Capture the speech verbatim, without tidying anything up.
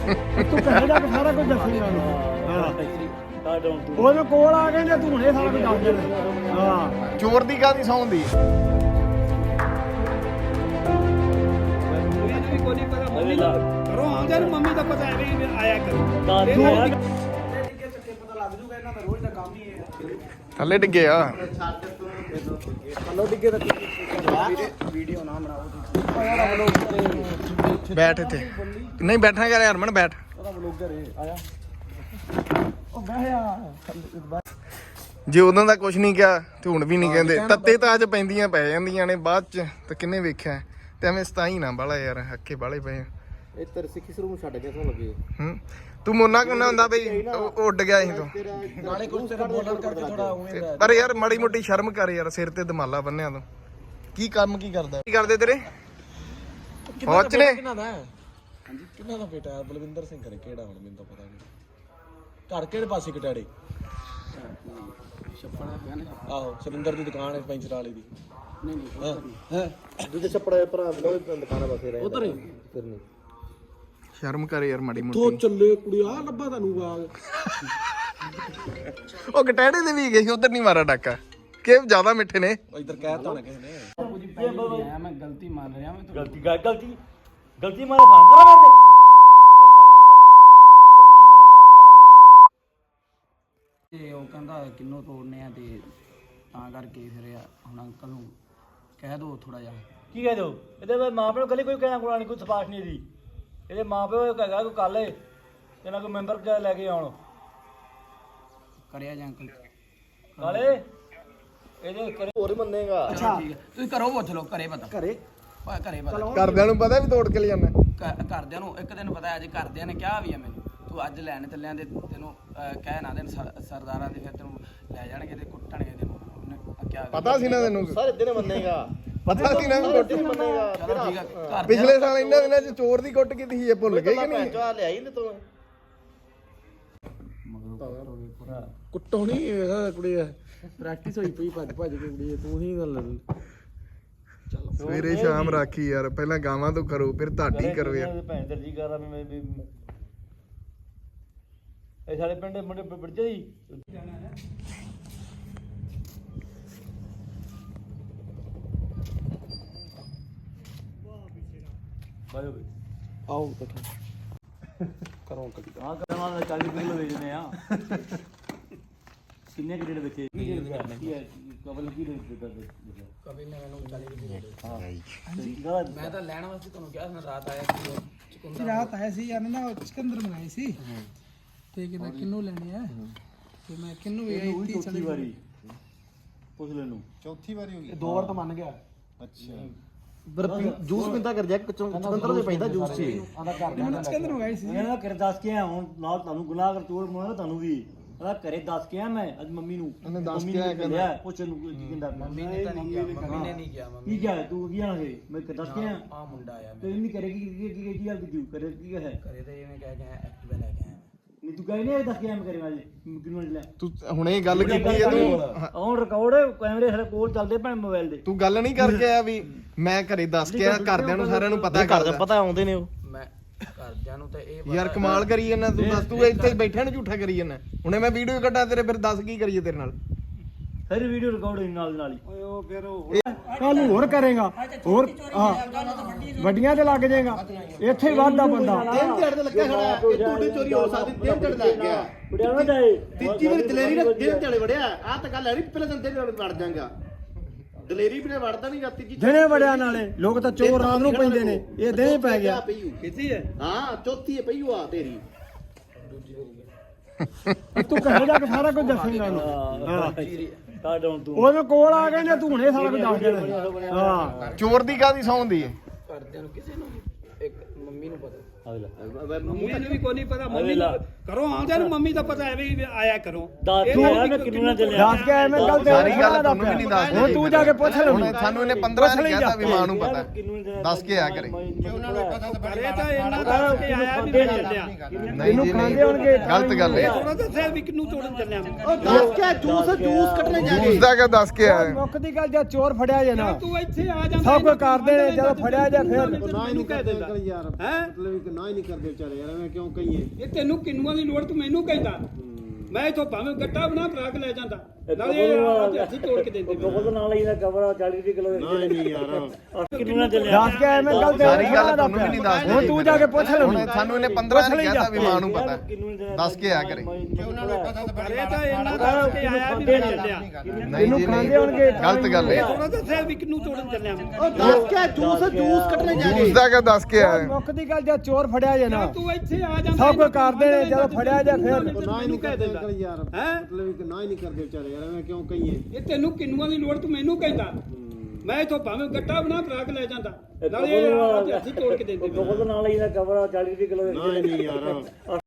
ਤੂੰ ਕਹੇਗਾ ਕਿ ਸਾਰਾ ਕੁਝ ਦੱਸੇਗਾ ਹਾਂ ਉਹਦੇ ਕੋਲ ਆ ਗਏ ਜੇ ਤੂੰ ਹੁਣੇ ਸਾਰਾ ਕੁਝ ਦੱਸ ਦੇ ਹਾਂ ਚੋਰ ਦੀ ਕਾਹਦੀ ਸੌਂ ਹੁੰਦੀ ਕੋਈ ਨਹੀਂ ਪਤਾ ਮੰਮੀ ਦਾ ਕਰੋ ਆਉਂਦੇ ਨੂੰ ਮੰਮੀ ਦਾ ਪਤਾ ਹੈ ਵੀ ਆਇਆ ਕਰੋ ਪਤਾ ਲੱਗ ਜੂਗਾ ਇਹਨਾਂ ਦਾ ਰੋਜ਼ ਦਾ ਕੰਮ ਹੀ ਹੈ ਥੱਲੇ ਡਿੱਗੇ ਆ ਥੱਲੇ ਡਿੱਗੇ ਤਾਂ ਵੀਡੀਓ ਨਾ ਬਣਾਓ ਬੈਠ ਇੱਥੇ ਨਹੀਂ ਬੈਠਣਾ ਕਰ ਹਰਮਨ ਬੈਠ ਉਹਦਾ ਵਲੋਗਰ ਹੈ ਆਇਆ ਉਹ ਬਹਿਆ ਜੇ ਉਦੋਂ ਦਾ ਕੁਝ ਨਹੀਂ ਕਿਹਾ ਤੇ ਹੁਣ ਵੀ ਨਹੀਂ ਕਹਿੰਦੇ ਤੱਤੇ ਤਾਂ ਅੱਜ ਪੈਂਦੀਆਂ ਪੈ ਜਾਂਦੀਆਂ ਨੇ ਬਾਅਦ ਚ ਤਾਂ ਕਿੰਨੇ ਵੇਖਿਆ ਤੇ ਐਵੇਂ ਸਤਾਈ ਨਾ ਬਾਲਾ ਯਾਰ ਹੱਕੇ ਬਾਲੇ ਪਏ ਇਹ ਤੇਰੇ ਸਿੱਖੀ ਸਰੂਪ ਨੂੰ ਛੱਡ ਕੇ ਸੋ ਲੱਗੇ ਹੂੰ ਤੂੰ ਮੋਨਾ ਕਿਉਂ ਨਾ ਹੁੰਦਾ ਬਈ ਉਹ ਉੱਡ ਗਿਆ ਸੀ ਤੂੰ ਨਾਲੇ ਕੁਝ ਤੇਰਾ ਬੋਲਣ ਕਰਕੇ ਥੋੜਾ ਉਵੇਂ ਦਾ ਪਰ ਯਾਰ ਮਾੜੀ ਮੋਟੀ ਸ਼ਰਮ ਕਰ ਯਾਰ ਸਿਰ ਤੇ ਦਮਾਲਾ ਬੰਨਿਆ ਤੂੰ ਕੀ ਕੰਮ ਕੀ ਕਰਦਾ ਕੀ ਕਰਦੇ ਤੇਰੇ ਫੌਜ ਨੇ ਕਿਹਨਾਂ ਦਾ ਹਾਂਜੀ ਕਿਹਨਾਂ ਦਾ ਬੇਟਾ ਬਲਵਿੰਦਰ ਸਿੰਘ ਕਰੇ ਕਿਹੜਾ ਹੁਣ ਮੈਨੂੰ ਤਾਂ ਪਤਾ ਨਹੀਂ ਘਰ ਕਿਹੜੇ ਪਾਸੇ ਕਟਾੜੇ ਛੱਪੜਾ ਪਿਆ ਨੇ ਆਹੋ ਸੁਰਿੰਦਰ ਦੀ ਦੁਕਾਨ ਹੈ ਪੈਂਚਰ ਵਾਲੀ ਦੀ ਨਹੀਂ ਨਹੀਂ ਹੈ ਦੂਜੇ ਛੱਪੜਾ ਭਰਾ ਉਹ ਦੁਕਾਨਾਂ ਪਾਸੇ ਰਹੇ ਉਧਰ ਫਿਰ ਨਹੀਂ ਸ਼ਰਮ ਕਰ ਯਾਰ ਮਾੜੀ ਤੋ ਮੋਟੀ ਚੱਲੇ ਕੁੜੀ ਆ ਲੱਭਾ ਤੁਹਾਨੂੰ ਬਾਗ ਉਹ ਕਟਾੜੇ ਦੇ ਵੀ ਗਏ ਉਧਰ ਨਹੀਂ ਮਾਰਾ ਡਾਕਾ ਕਿ ਜ਼ਿਆਦਾ ਮਿੱਠੇ ਨੇ ਇਧਰ ਕਹਿਤਾ ਹੋਣਾ ਕਿਸੇ ਨੇ ਮੈਂ ਗਲਤੀ ਮੰਨ ਰਿਹਾ ਮੈਂ ਗਲਤੀ ਗਾ ਗਲਤੀ ਗਲਤੀ ਮਾਰੇ ਫਾਨ ਕਰਾ ਮੇਰੇ ਤੇ ਤੇ ਉਹ ਕਹਿੰਦਾ ਕਿੰਨੋਂ ਤੋੜਨੇ ਆ ਤੇ ਤਾਂ ਕਰਕੇ ਫਿਰ ਹੁਣ ਅੰਕਲ ਨੂੰ ਕਹਿ ਦੋ ਥੋੜਾ ਜਿਹਾ ਕੀ ਕਹਿ ਦੋ ਇਹਦੇ ਮਾਂ ਪਿਓ ਗਲੀ ਕੋਈ ਕਹਿਣਾ ਕੋਣਾ ਨਹੀਂ ਕੋਈ ਸਪਾਸ਼ ਨਹੀਂ ਦੀ ਇਹਦੇ ਮਾਂ ਪਿਓ ਕਹੇਗਾ ਕੋਈ ਕੱਲ ਇਹਨਾਂ ਕੋਈ ਮੈਂਬਰ ਜਾ ਲੈ ਕੇ ਆਉਣ ਕਰਿਆ ਜਾਂ ਅੰਕਲ ਕਾਲੇ ਇਹਦੇ ਕਰੇ ਹੋਰ ਮੰਨੇਗਾ ਅੱਛਾ ਠੀਕ ਹੈ ਤੁਸੀਂ ਕਰੋ ਪੁੱਛ ਲਓ ਘਰੇ ਪਤਾ ਘਰੇ ਓਏ ਘਰੇ ਪਤਾ ਘਰਦਿਆਂ ਨੂੰ ਪਤਾ ਵੀ ਤੋੜ ਕੇ ਲੈ ਜਾਣਾ ਘ- ਘਰਦਿਆਂ ਨੂੰ ਇੱਕ ਦਿਨ ਪਤਾ ਅੱਜ ਘਰਦਿਆਂ ਨੇ ਕਿਹਾ ਵੀ ਆ ਮੈਨੂੰ ਤੂੰ ਅੱਜ ਲੈਣ ਚੱਲਿਆਂ ਤੇ ਤੈਨੂੰ ਅਹ, ਕਹਿ ਨਾ ਦੇਣ ਸਰ- ਸਰਦਾਰਾਂ ਦੇ ਫਿਰ ਤੈਨੂੰ ਲੈ ਜਾਣਗੇ ਤੇ ਕੁੱਟਣਗੇ ਤੈਨੂੰ ਉਹਨੇ ਕਿਹਾ ਪਤਾ ਸੀ ਨਾ ਤੈਨੂੰ ਸਾਰੇ ਦਿਨ ਮੰਨੇਗਾ ਪਤਾ ਸੀ ਨਾ ਵੀ ਕੁੱਟ ਮੰਨੇਗਾ ਚਲੋ ਠੀਕ ਆ ਘਰ ਪਿਛਲੇ ਸਾਲ ਇਹਨਾਂ ਦਿਨਾਂ ਚ ਚੋਰ ਦੀ ਕੁੱਟ ਕੀਤੀ ਸੀ ਇਹ ਭੁੱਲ ਗਏ ਕਿ ਨਹੀਂ ਚਾ ਲਿਆਈ ਨੇ ਤੂੰ ਕੁੱਟੋ ਨਹੀਂ ਇਹ ਕੁੜੀ ਪ੍ਰੈਕਟਿਸ ਹੋਈ ਪਈ ਭੱਜ ਭੱਜ ਕੇ ਕੁੜੀ ਤੂੰ ਹੀ ਗੱਲ ਸਵੇਰੇ ਸ਼ਾਮ ਰਾਖੀ ਯਾਰ ਪਹਿਲਾਂ ਗਾਵਾਂ ਤੋਂ ਕਰੋ ਫਿਰ ਤੁਹਾਡੀ ਕਰੋ ਯਾਰ ਭੈਣ ਦਰਜੀ ਕਰਾ ਮੈਂ ਵੀ ਇਹ ਸਾਡੇ ਪਿੰਡ ਮੁੰਡੇ ਬੜਜੇ ਜੀ ਬਾਇਓ ਵੀ ਆਓ ਇਕੱਠਾ ਕਰੋ ਕਦੀ ਹਾਂ ਕਰਨ ਵਾਲਾ ਚਾਲੀ ਕਿਲੋ ਵੇਚਦੇ ਆ ਕਿੰਨੇ ਕਿ ਰੇਟ ਵੇਚੇ ਕੀ ਹੈ ਕਬਲ ਕੀ ਰੇਟ ਦਿੱਤਾ ਕभी ने मैंने चालीस रुपये दे ਹਾਂ मैं तो लैण वास्ते ਤੁਹਾਨੂੰ ਕਿਹਾ ਸੀ ਰਾਤ ਆਇਆ ਸੀ ਚੁਕੰਦਰ ਰਾਤ ਆਇਆ ਸੀ ਯਾਰ ਨਾ ਉਹ ਚਿਕੰਦਰ ਬਣਾਏ ਸੀ ਤੇ ਕਹਿੰਦਾ ਕਿੰਨੂ ਲੈਣੇ ਆ ਤੇ ਮੈਂ ਕਿੰਨੂ ਵੀ ਇਹ ਵੀ ਚੌਥੀ ਵਾਰੀ ਪੁੱਛ ਲੈ ਨੂੰ ਚੌਥੀ ਵਾਰੀ ਹੋ ਗਈ ਦੋ ਵਾਰ ਤਾਂ ਮੰਨ ਗਿਆ ਅੱਛਾ ਬਰਫੀ ਜੂਸ ਪਿੰਦਾ ਕਰ ਜਾ ਚੰਦਰ ਦੇ ਪੈਂਦਾ ਜੂਸ ਚ ਆਂਦਾ ਕਰ ਚਿਕੰਦਰ ਮੰਗਾਈ ਸੀ ਮੈਂ ਨਾ ਕਰ ਦੱਸ ਕੇ ਆ ਹੁਣ ਨਾਲ ਤੁਹਾਨੂੰ ਗੁਨਾਹ ਕਰ ਚੋਰ ਬਣਾਉਣਾ ਤੁਹਾਨੂੰ ਵੀ ਆਦਾ ਘਰੇ ਦੱਸ ਕੇ ਆ ਮੈਂ ਅੱਜ ਮੰਮੀ ਨੂੰ ਉਹਨੇ ਦੱਸ ਮੰਮੀ ਕੇ ਆਇਆ ਨੇ ਕਿਹਾ ਪੁੱਛ ਨੂੰ ਕੀ ਕਹਿੰਦਾ ਮੰਮੀ ਨੇ ਤਾਂ ਨਹੀਂ ਕਿਹਾ ਮੰਮੀ ਨੇ ਨਹੀਂ ਕਿਹਾ ਮੰਮੀ ਕੀ ਕਿਹਾ ਤੂੰ ਕੀ ਆਣਾ ਹੈ ਮੈਂ ਦੱਸ ਕੇ ਆ ਆ ਮੁੰਡਾ ਆਇਆ ਤੇ ਇੰਨੀ ਕਰੇਗੀ ਕੀ ਕੀ ਕੀ ਗੱਲ ਕੀਤੀ ਕਰੇ ਕੀ ਹੈ ਘਰੇ ਤੇ ਇਹਨੇ ਕਹਿ ਕੇ ਐਕਟਿਵਾ ਲੈ ਕੇ ਆਇਆ ਨਹੀਂ ਤੂੰ ਕਹੇ ਨਹੀਂ ਦੱਸ ਕੇ ਆ ਮੈਂ ਕਰੇ ਵਾਲੇ ਕਿੰਨੂੰ ਲੈ ਤੂੰ ਹੁਣੇ ਗੱਲ ਕੀਤੀ ਹੈ ਤੂੰ ਔਨ ਰਿਕਾਰਡ ਕੈਮਰੇ ਸਾਡੇ ਕੋਲ ਚੱਲਦੇ ਪਏ ਮੋਬਾਈਲ ਦੇ ਤੂੰ ਗੱਲ ਨਹੀਂ ਕਰਕੇ ਆਇਆ ਵੀ ਮੈਂ ਘਰੇ ਦੱਸ ਕੇ ਆ ਘਰਦਿਆਂ ਨੂੰ ਸਾਰਿਆਂ ਨੂੰ ਪਤਾ ਘਰ ਦਾ ਪਤਾ ਆਉਂਦੇ ਨੇ ਉਹ ਮੈਂ ਘਰਦਿਆਂ ਨੂੰ ਤੇ ਇਹ ਯਾਰ ਕਮਾਲ ਕਰੀ ਜਾਂਦਾ ਤੂੰ ਦੱਸ ਤੂੰ ਇੱਥੇ ਬੈਠਿਆ ਨੂੰ ਝੂਠਾ ਕਰੀ ਜਾਂਦਾ ਹੁਣੇ ਮੈਂ ਵੀਡੀਓ ਕੱਢਾਂ ਤੇਰੇ ਫਿਰ ਦੱਸ ਕੀ ਕਰੀਏ ਤੇਰੇ ਨਾਲ ਸਾਰੀ ਵੀਡੀਓ ਰਿਕਾਰਡ ਹੋਈ ਨਾਲ ਦੀ ਨਾਲ ਹੀ ਓਏ ਉਹ ਫਿਰ ਉਹ ਕੱਲ ਹੋਰ ਕਰੇਗਾ ਹੋਰ ਹਾਂ ਵੱਡੀਆਂ ਤੇ ਲੱਗ ਜਾਏਗਾ ਇੱਥੇ ਹੀ ਵਾਧਾ ਬੰਦਾ ਤਿੰਨ ਝੜ ਤੇ ਲੱਗਾ ਖੜਾ ਇਹ ਟੂਟੀ ਚੋਰੀ ਹੋ ਸਕਦੀ ਤਿੰਨ ਝੜ ਲੱਗ ਗਿਆ ਬੜਿਆ ਨਾ ਜਾਏ ਤੀਜੀ ਵਾਰੀ ਦਲੇਰੀ ਨਾਲ ਤਿੰਨ ਝੜੇ ਵੜਿਆ ਆ ਤਾਂ ਗੱਲ ਹੈ ਨਹੀਂ ਪਹਿਲਾਂ ਦਿਨ ਝੜੇ ਵੜ ਜਾਗਾ ਦਲੇਰੀ ਵੀ ਨੇ ਵੜਦਾ ਨਹੀਂ ਰਾਤੀ ਜੀ ਦਿਨੇ ਵੜਿਆ ਨਾਲੇ ਲੋਕ ਤਾਂ ਚੋਰ ਰਾਤ ਨੂੰ ਪੈਂਦੇ ਨੇ ਇਹ ਦਿਨੇ ਪੈ ਗਿਆ ਕਿੱਥੇ ਹੈ ਹਾਂ ਚੌਥੀ ਹੈ ਪਈ ਆ ਤੇਰੀ ਤੂੰ ਕਹੇਗਾ ਕਿ ਸਾਰਾ ਕੁਝ ਦੱਸੇਗਾ ਹਾਂ ਕਾਡ ਹੁਣ ਤੂੰ ਉਹਦੇ ਕੋਲ ਆ ਗਏ ਜੇ ਤੂੰ ਹੁਣੇ ਸਾਰਾ ਕੁਝ ਦੱਸ ਦੇਣਾ ਹਾਂ ਚੋਰ ਦੀ ਕਾਹਦੀ ਸੌਂ ਹੁੰਦੀ ਹੈ ਘਰਦਿਆਂ ਨੂੰ ਕਿਸੇ ਨੂੰ ਇੱਕ ਮੰਮੀ ਨੂੰ ਪਤਾ ਮੰਮੀ ਨੂੰ ਵੀ ਕੋਈ ਨਹੀਂ ਪਤਾ ਮੰਮੀ ਨੂੰ ਕਰੋ ਆਉਂਦੇ ਨੂੰ ਮੰਮੀ ਦਾ ਪਤਾ ਹੈ ਵੀ ਆਇਆ ਕਰੋ ਦੱਸ ਕੇ ਆਇਆ ਮੈਂ ਕਿੰਨੂੰ ਨਾ ਚੱਲਿਆ ਦੱਸ ਕੇ ਆਇਆ ਮੈਂ ਕੱਲ ਸਾਰੀ ਗੱਲ ਤੁਹਾਨੂੰ ਵੀ ਨਹੀਂ ਦੱਸਦੇ ਹੁਣ ਤੂੰ ਜਾ ਕੇ ਪੁੱਛ ਲੈ ਹੁਣ ਸਾਨੂੰ ਇਹਨੇ ਪੰਦਰਾਂ ਨੇ ਕਹਿਤਾ ਵੀ ਮਾਂ ਨੂੰ ਪਤਾ ਦੱਸ ਕੇ ਆ ਕਰੇ ਅਰੇ ਤਾਂ ਇਹਨਾਂ ਦਾ ਕੇ ਆਇਆ ਵੀ ਮੈਂ ਚੱਲਿਆ ਨਹੀਂ ਜੀ ਨਹੀਂ ਗਲਤ ਗੱਲ ਹੈ ਉਹਨਾਂ ਦੱਸਿਆ ਵੀ ਕਿੰਨੂੰ ਤੋੜਨ ਚੱਲਿਆ ਉਹ ਦੱਸ ਕੇ ਜੂਸ ਜੂਸ ਕੱਢਣੇ ਜਾ ਉਸ ਦਾ ਕਾ ਦੱਸ ਕੇ ਆਇਆ ਮੁੱਖ ਦੀ ਗੱਲ ਜੇ ਚੋਰ ਫੜਿਆ ਜੇ ਨਾ ਤੂੰ ਇੱਥੇ ਆ ਜਾਂਦਾ ਸਭ ਕੁਝ ਕਰਦੇ ਨੇ ਜਦੋਂ ਫੜਿਆ ਜੇ ਫਿਰ ਨਾ ਇਹਨੂੰ ਕਹਿ ਦਿੰਦਾ ਯਾਰ ਹੈ ਨਾ ਹੀ ਨਹੀਂ ਕਰਦੇ ਵਿਚਾਰੇ ਯਾਰ ਐਵੇਂ ਕਿਉਂ ਕਹੀਏ। ਇਹ ਤੈਨੂੰ ਕਿੰਨੂਆਂ ਦੀ ਲੋੜ ਤੂੰ ਮੈਨੂੰ ਕਹਿੰਦਾ ਮੈਂ ਇਥੋਂ ਭਾਵੇਂ ਗੱਟਾ ਬਣਾ ਭਰਾ ਕੇ ਲੈ ਜਾਂਦਾ ਨਾਲੇ ਇਹ ਹੱਥੀ ਤੋੜ ਕੇ ਦਿੰਦੇ ਉਹਦੇ ਨਾਲ ਹੀ ਦਾ ਕਵਰ ਚਾਲੀ ਰੁਪਏ ਕਿਲੋ ਨਾ ਹੀ ਨਹੀਂ ਯਾਰ ਕਿੰਨੂ ਨਾ ਚੱਲਿਆ ਦੱਸ ਕੇ ਐਵੇਂ ਗੱਲ ਤੇ ਸਾਰੀ ਗੱਲ ਤੁਹਾਨੂੰ ਵੀ ਨਹੀਂ ਦੱਸਦੇ ਹੁਣ ਤੂੰ ਜਾ ਕੇ ਪੁੱਛ ਲੈ ਹੁਣ ਸਾਨੂੰ ਇਹਨੇ ਪੰਦਰਾਂ ਨਹੀਂ ਕਹਿਤਾ ਵੀ ਮਾਂ ਨੂੰ ਪਤਾ ਦੱਸ ਕੇ ਆ ਕਰੇ ਕਰੇ ਤਾਂ ਇਹਨਾਂ ਦਾ ਕੇ ਆਇਆ ਵੀ ਮੈਂ ਚੱਲਿਆ ਨਹੀਂ ਜੀ ਨਹੀਂ ਗਲਤ ਗੱਲ ਹੈ ਉਹਨਾਂ ਦੱਸਿਆ ਵੀ ਕਿੰਨੂ ਤੋੜਨ ਚੱਲਿਆ ਉਹ ਦੱਸ ਕੇ ਜੂਸ ਜੂਸ ਕੱਢਣੇ ਜਾ ਜੂਸ ਦਾ ਕਾ ਦੱਸ ਕੇ ਆਇਆ ਮੁੱਖ ਦੀ ਗੱਲ ਜੇ ਚੋਰ ਫੜਿਆ ਜੇ ਨਾ ਤੂੰ ਇੱਥੇ ਆ ਜਾਂਦਾ ਸਭ ਕੁਝ ਕਰਦੇ ਨੇ ਜਦੋਂ ਫੜਿਆ ਜੇ ਫਿਰ ਨਾ ਹੀ ਨਹੀਂ ਕਰਦੇ ਅੰਕਲ ਯਾਰ ਹੈਂ? ਮਤਲਬ ਕਿ ਨਾ ਹੀ ਨਹੀਂ ਕਰਦੇ ਵਿਚਾਰੇ ਯਾਰ ਐਵੇਂ ਕਿਉਂ ਕਹੀਏ। ਇਹ ਤੈਨੂੰ ਕਿੰਨੂਆਂ ਦੀ ਲੋੜ ਤੂੰ ਮੈਨੂੰ ਕਹਿੰਦਾ ਮੈਂ ਇਥੋਂ ਭਾਵੇਂ ਗੱਟਾ ਬਣਾ ਭਰਾ ਕੇ ਲੈ ਜਾਂਦਾ ਨਾਲੇ ਇਹ ਹੱਥੀ ਤੋੜ ਕੇ ਦਿੰਦੇ ਉਹਦੇ ਨਾਲ ਹੀ ਦਾ ਕਵਰ ਚਾਲੀ ਰੁਪਏ ਕਿਲੋ ਨਾ ਹੀ ਨਹੀਂ ਯਾਰ